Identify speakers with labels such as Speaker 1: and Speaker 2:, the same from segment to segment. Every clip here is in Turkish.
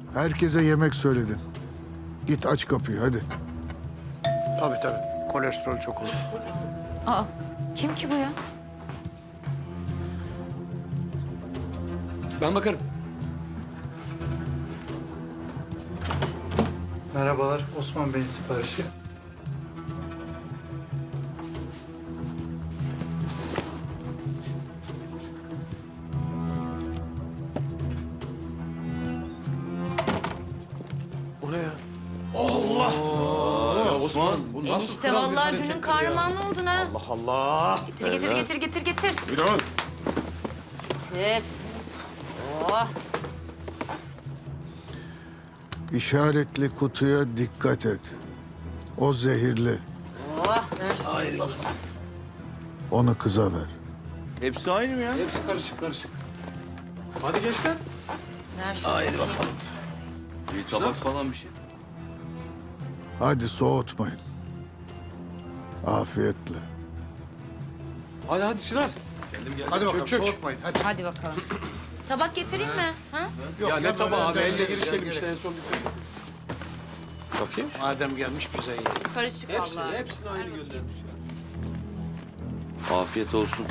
Speaker 1: Herkese yemek söyledin. Git aç kapıyı hadi.
Speaker 2: Tabii. Kolesterol çok olur.
Speaker 3: Aa, kim ki bu ya?
Speaker 4: Ben bakarım.
Speaker 5: Merhabalar, Osman Bey'in siparişi.
Speaker 2: O ne ya?
Speaker 6: Osman. Bu nasıl
Speaker 3: Enişte
Speaker 6: kral bir
Speaker 3: vallahi
Speaker 6: harekettir
Speaker 3: günün
Speaker 6: ya?
Speaker 3: kahramanı oldun ha.
Speaker 6: Allah Allah.
Speaker 3: Getir.
Speaker 6: Buyurun.
Speaker 3: Getir. Oh.
Speaker 1: İşaretli kutuya dikkat et. O zehirli.
Speaker 3: Oh.
Speaker 1: Onu kıza ver.
Speaker 6: Hepsi aynı mı ya?
Speaker 4: Hepsi karışık.
Speaker 2: Hadi gençler.
Speaker 3: Ver şunu.
Speaker 6: Haydi bakalım. Bir tabak falan bir şey.
Speaker 1: Hadi soğutmayın. Afiyetle.
Speaker 2: Hadi Çınar.
Speaker 5: Hadi bakalım,
Speaker 2: çök.
Speaker 5: soğutmayın. Hadi.
Speaker 3: Hadi bakalım. Tabak getireyim mi? Ha?
Speaker 2: Ya ne tabağı abi? Elle
Speaker 5: gerek
Speaker 2: girişelim
Speaker 5: yok.
Speaker 2: işte en son bitirelim. Bakayım.
Speaker 5: Madem gelmiş bize yiyelim.
Speaker 3: Karışık vallahi.
Speaker 2: Hepsini aynı gözlemiş.
Speaker 6: Afiyet olsun.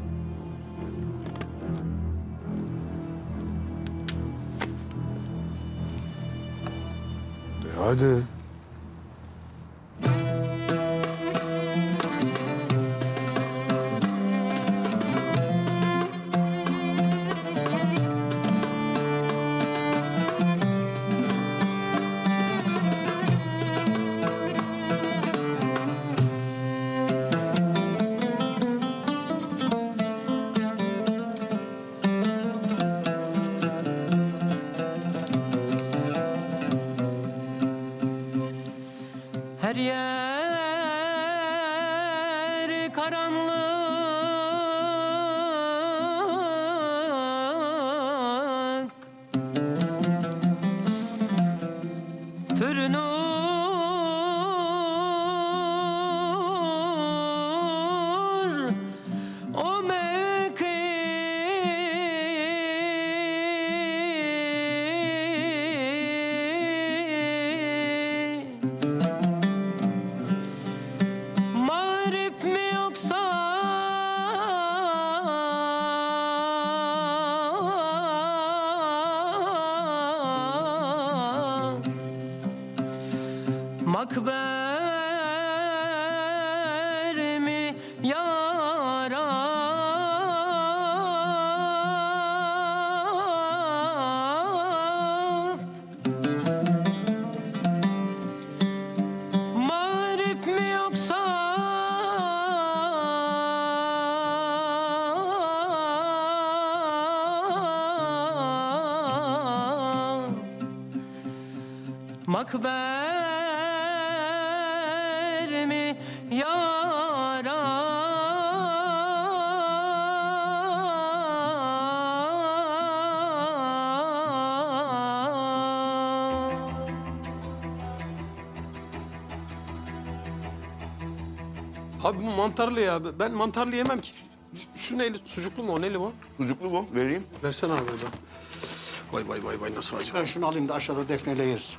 Speaker 1: Hadi.
Speaker 7: Her yer karanlık, pürünür o mevki. Mağrip mi yoksa makber mi yarab? Mağrip mi yoksa makber mi yarab?
Speaker 2: Abi bu mantarlı ya. Ben mantarlı yemem ki. Şu neyli? Sucuklu mu o? Neli bu?
Speaker 6: Sucuklu bu. Vereyim.
Speaker 2: Versene abi oradan. Vay nasıl acı.
Speaker 5: Ben şunu alayım da aşağıda Defne'yle yeriz.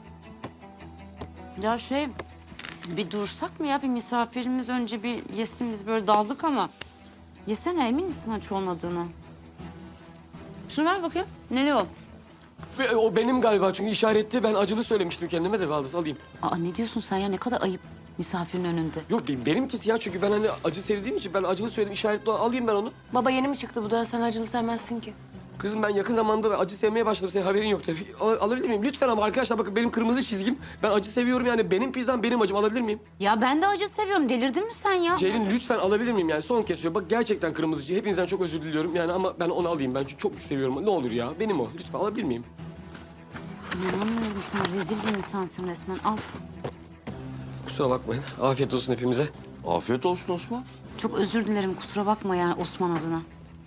Speaker 3: Ya bir dursak mı ya? Bir misafirimiz önce bir yesin, biz böyle daldık ama. Yesene, emin misin aç olmadığını? Şunu ver bakayım. Neli o?
Speaker 4: O benim galiba çünkü işaretli. Ben acılı söylemiştim kendime de Baldız alayım.
Speaker 3: Aa, ne diyorsun sen ya? Ne kadar ayıp misafirin önünde.
Speaker 4: Yok benimkisi ya çünkü ben hani acı sevdiğim için ben acılı söyledim. İşaretli alayım ben onu.
Speaker 8: Baba yeni mi çıktı bu da? Sen acılı sevmezsin ki.
Speaker 4: Kızım ben yakın zamanda acı sevmeye başladım. Senin haberin yok tabii. Alabilir miyim? Lütfen ama arkadaşlar bakın benim kırmızı çizgim. Ben acı seviyorum yani. Benim pizzam benim acım. Alabilir miyim?
Speaker 3: Ya ben de acı seviyorum. Delirdin mi sen ya?
Speaker 4: Ceylin lütfen alabilir miyim yani? Son kesiyor. Bak gerçekten kırmızı. Hepinizden çok özür diliyorum yani ama ben onu alayım. Ben çok seviyorum. Ne olur ya. Benim o. Lütfen alabilir miyim?
Speaker 3: İnanamıyorum, sen rezil bir insansın resmen. Al.
Speaker 4: Kusura bakmayın. Afiyet olsun hepimize.
Speaker 6: Afiyet olsun Osman.
Speaker 3: Çok özür dilerim, kusura bakma yani Osman adına.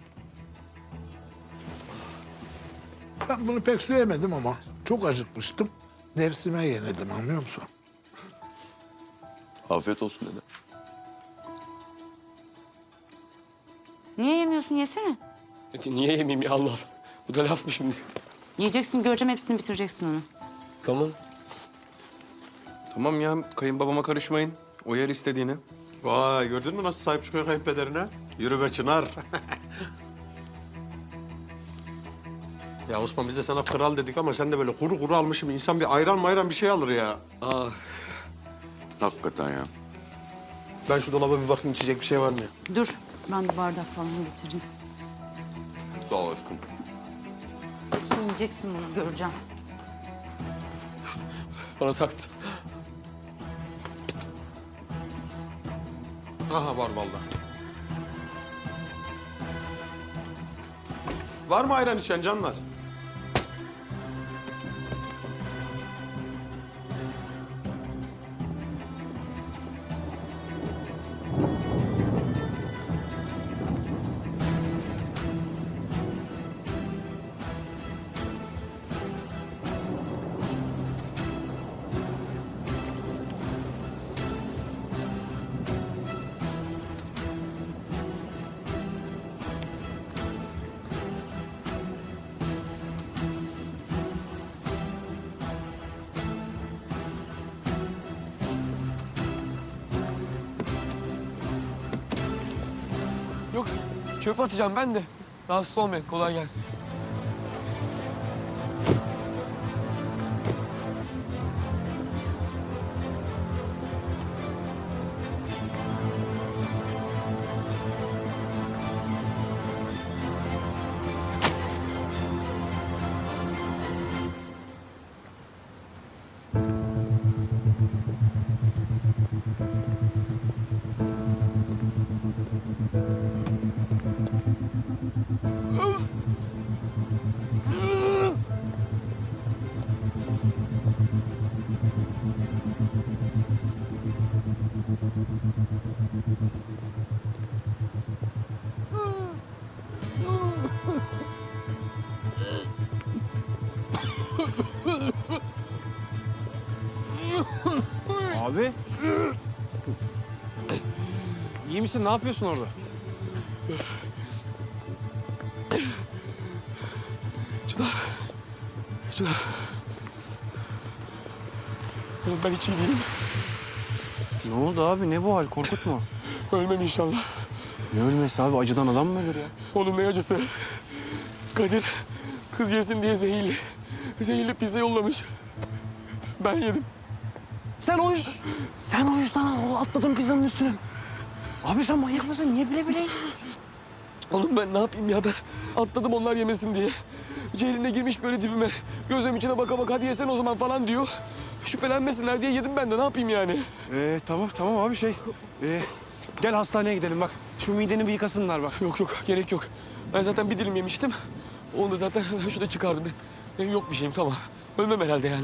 Speaker 9: Ben bunu pek sevmedim ama çok acıkmıştım. Nefsime yenildim, anlıyor musun?
Speaker 6: Afiyet olsun dede.
Speaker 3: Niye yemiyorsun? Yesene.
Speaker 4: Niye yemeyeyim ya Allah Allah. Bu da laf mı şimdi?
Speaker 3: Yiyeceksin, göreceğim, hepsini bitireceksin onu.
Speaker 4: Tamam.
Speaker 2: Tamam ya, kayınbabama karışmayın. O yer istediğini. Vay, gördün mü nasıl sahip çıkıyor kayınpederine? Yürü be Çınar. Ya Osman, biz de sana kral dedik ama sen de böyle kuru kuru almışım. İnsan bir ayran mayran bir şey alır ya.
Speaker 6: Hakikaten ya.
Speaker 2: Ben şu dolaba bir bakayım, içecek bir şey var mı ya?
Speaker 3: Dur, ben de bardak falan getireyim.
Speaker 6: Sağ ol aşkım.
Speaker 3: Sen yiyeceksin bunu, göreceğim.
Speaker 4: Bana taktı.
Speaker 2: Aha, var vallahi. Var mı ayran içen canlar?
Speaker 4: Yok, çöp atacağım ben de. Rahatsız olmayın, kolay gelsin.
Speaker 2: Abi. İyi misin? Ne yapıyorsun orada?
Speaker 4: Çınar. Oğlum ben hiç iyi değilim.
Speaker 2: Ne oldu abi? Ne bu hal? Korkutma.
Speaker 4: Ölmem inşallah.
Speaker 2: Ne ölmesi abi? Acıdan adam mı ölür ya?
Speaker 4: Oğlum ne acısı. Kadir kız yesin diye zehirli pizza yollamış. Ben yedim.
Speaker 2: Sen o yüzden atladın pizzanın üstüne. Abi sen manyak mısın? Niye bile bile yiyorsun?
Speaker 4: Oğlum ben ne yapayım ya, ben atladım onlar yemesin diye. Ceylin de girmiş böyle dibime. Gözüm içine baka baka hadi yesen o zaman falan diyor. Şüphelenmesinler diye yedim ben de, ne yapayım yani?
Speaker 10: Tamam abi gel hastaneye gidelim bak. Şu mideni bir yıkasınlar bak.
Speaker 4: Yok gerek yok. Ben zaten bir dilim yemiştim. Onu da zaten şurada çıkardım. Benim yok bir şeyim, tamam. Ölmem herhalde yani.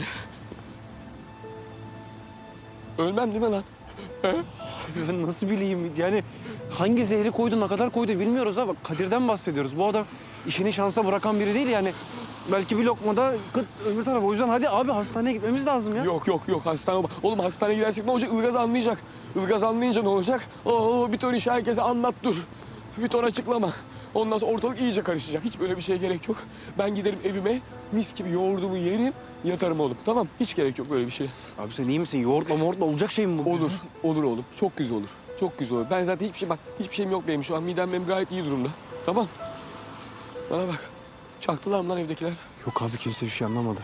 Speaker 4: Ölmem değil mi lan?
Speaker 10: Ben nasıl bileyim yani hangi zehri koydu ne kadar koydu bilmiyoruz ha. Bak Kadir'den bahsediyoruz. Bu adam işini şansa bırakan biri değil yani. Belki bir lokmada kıt öbür tarafa. O yüzden hadi abi hastaneye gitmemiz lazım ya.
Speaker 4: Yok hastane. Oğlum hastaneye gidersek ne olacak? Ilgaz anlayacak. Ilgaz anlayınca ne olacak? Bir ton işi herkese anlat dur. Bir ton açıklama. Ondan sonra ortalık iyice karışacak. Hiç böyle bir şeye gerek yok. Ben giderim evime, mis gibi yoğurdumu yerim, yatarım oğlum. Tamam, hiç gerek yok böyle bir şeye.
Speaker 10: Abi sen iyi misin? Yoğurtla olacak şey mi bu?
Speaker 4: Olur oğlum. Çok güzel olur. Çok güzel olur. Ben zaten hiçbir şeyim yok benim şu an. Midem benim gayet iyi durumda. Tamam. Bana bak. Çaktılar mı lan evdekiler?
Speaker 10: Yok abi kimse bir şey anlamadı.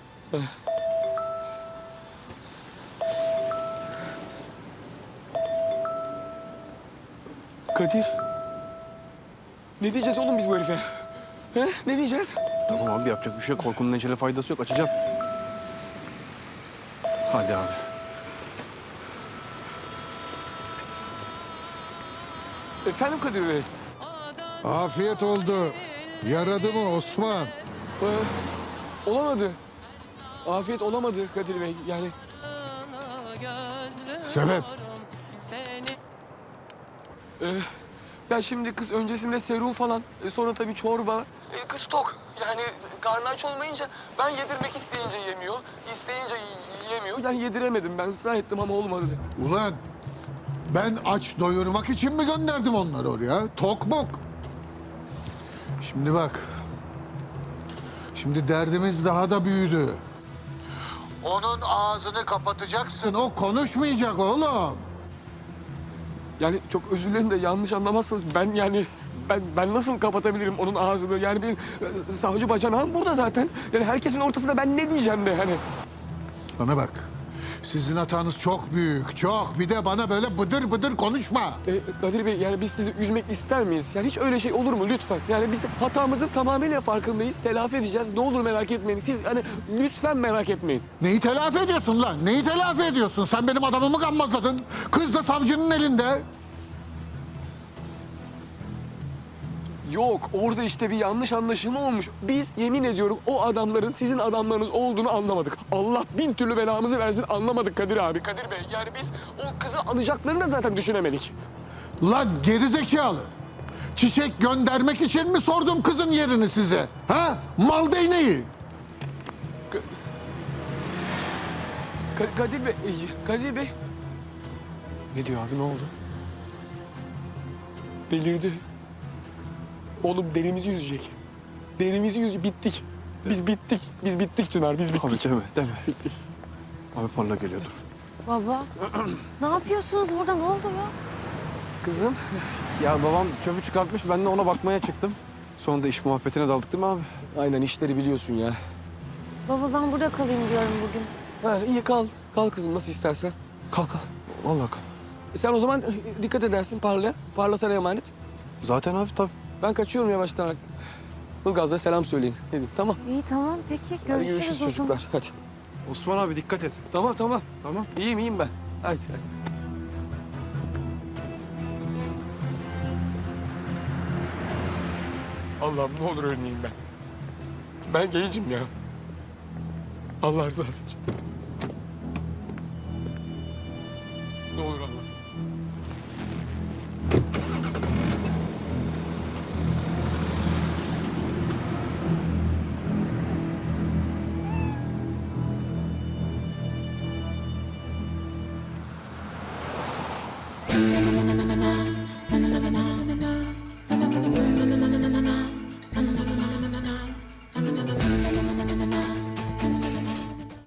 Speaker 4: Kadir. Ne diyeceğiz oğlum biz bu herife? He? Ne diyeceğiz?
Speaker 10: Tamam abi yapacak bir şey yok. Korkunun neşeli faydası yok. Açacağım. Hadi abi.
Speaker 4: Efendim Kadir Bey?
Speaker 1: Afiyet oldu. Yaradı mı Osman?
Speaker 4: Olamadı. Afiyet olamadı Kadir Bey. Yani
Speaker 1: Sebep?
Speaker 4: ya şimdi kız öncesinde serum falan, sonra tabii çorba. Kız tok. Yani karnı aç olmayınca ben yedirmek isteyince yemiyor, isteyince yemiyor. Yani yediremedim ben, ısrar ettim ama olmadı.
Speaker 1: Ulan ben aç doyurmak için mi gönderdim onları oraya? Tok mok. Şimdi bak. Şimdi derdimiz daha da büyüdü. Onun ağzını kapatacaksın. O konuşmayacak oğlum.
Speaker 4: Yani çok özür dilerim de yanlış anlamazsanız ben nasıl kapatabilirim onun ağzını? Yani benim savcı bacanağım burada zaten. Yani herkesin ortasında ben ne diyeceğim de hani.
Speaker 1: Bana bak. Sizin hatanız çok büyük, çok. Bir de bana böyle bıdır bıdır konuşma.
Speaker 4: Kadir Bey yani biz sizi üzmek ister miyiz? Yani hiç öyle şey olur mu lütfen? Yani biz hatamızın tamamıyla farkındayız. Telafi edeceğiz. Ne olur merak etmeyin. Siz hani lütfen merak etmeyin.
Speaker 1: Neyi telafi ediyorsun lan? Neyi telafi ediyorsun? Sen benim adamımı gammazladın. Kız da savcının elinde.
Speaker 4: Yok orada işte bir yanlış anlaşılma olmuş. Biz yemin ediyorum o adamların sizin adamlarınız olduğunu anlamadık. Allah bin türlü belamızı versin anlamadık Kadir abi. Kadir Bey yani biz o kızı alacaklarını da zaten düşünemedik.
Speaker 1: Lan gerizekalı. Çiçek göndermek için mi sordum kızın yerini size? Ha? Mal değneği.
Speaker 4: Kadir Bey, Kadir Bey
Speaker 10: Ne diyor abi, ne oldu?
Speaker 4: delirdi. Oğlum derimizi yüzecek. Derimizi yüzecek. Bittik. Biz bittik. Biz bittik Çınar. Biz bittik.
Speaker 10: Abi deme. Abi parla geliyordur.
Speaker 8: Baba, ne yapıyorsunuz burada? Ne oldu ya?
Speaker 10: Kızım. Ya babam çöpü çıkartmış, ben de ona bakmaya çıktım. Sonra da iş muhabbetine daldık değil mi abi?
Speaker 4: Aynen işleri biliyorsun ya.
Speaker 8: Baba ben burada kalayım diyorum bugün.
Speaker 4: Ha, iyi kal. Kal kızım nasıl istersen.
Speaker 10: Kalk. Vallahi kalk.
Speaker 4: Sen o zaman dikkat edersin parla. Parla sana emanet.
Speaker 10: Zaten abi tabii.
Speaker 4: Ben kaçıyorum yavaştan. Ilgaz'a selam söyleyin. Dedim tamam.
Speaker 8: İyi tamam peki
Speaker 4: Hadi
Speaker 8: görüşürüz,
Speaker 4: görüşürüz
Speaker 8: o zaman.
Speaker 4: çocuklar. Hadi.
Speaker 10: Osman abi dikkat et.
Speaker 4: Tamam.
Speaker 10: Tamam.
Speaker 4: İyiyim ben. Hadi. Allah'ım ne olur ölmeyeyim ben. Ben gencim ya. Allah rızası için. Ne olur Allah.